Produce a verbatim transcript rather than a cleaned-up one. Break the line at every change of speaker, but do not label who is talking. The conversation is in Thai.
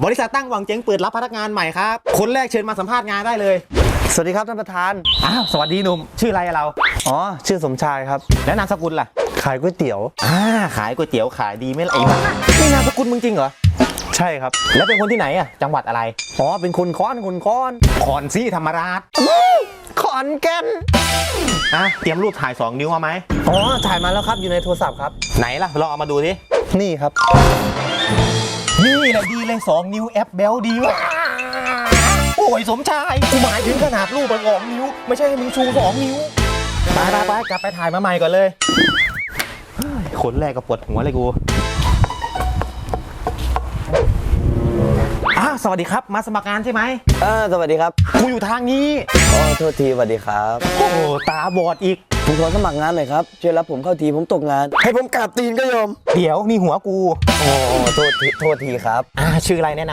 บริษัทตั้งหวังเจ๊งเปิดรับพนักงานใหม่ครับคนแรกเชิญมาสัมภาษณ์งานได้เลย
สวัสดีครับท่านประธาน
อ้าวสวัสดีหนุ่มชื่ออะไรเรา
อ๋อชื่อสมชายครับ
แล้วนามสกุลล่ะ
ขายก๋วยเตี๋ยว
อ่าขายก๋วยเตี๋ยวขายดีไหมล่ะไอ้บ้านี่นามสกุลมึงจริงเหรอ
ใช่ครับ
แล้วเป็นคนที่ไหนอ่ะจังหวัดอะไร
อ๋อเป็นคนค้อนคนค้อน
ขอนซี่ธรรมราช
ขอนแก่น
อ่ะเตรียมรูปถ่ายสองนิ้วมาไหม
อ๋อถ่ายมาแล้วครับอยู่ในโทรศัพท์ครับ
ไหนล่ะลองเอามาดูดิ
นี่ครับ
นี่แหละดีเลยสองนิ้วแอปเบลดีวะโอ้ยสมชายกูหมายถึงขนาดรูปสองนิ้วไม่ใช่ให้มึงชูสองนิ้วไปไปไปกลับไปถ่ายมาใหม่ก่อนเลยคนแรกก็ปวดหัวเลยกูอ้าวสวัสดีครับมาสมัครงานใช่ไหม
เออสวัสดีครับ
กูอยู่ทางนี้
อ๋อโทษทีสวัสดีครับ
โอ้ตาบอดอีก
ผมขอสมัครงานหน่อยครับช่วยรับผมเข้าทีผมตกงานให้ผมกราบตีนก็ยอม
เดี๋ยวนี่หัวกู
โอ้โทษทีโทษทีครับ
อ่าชื่ออะไรแนะนำ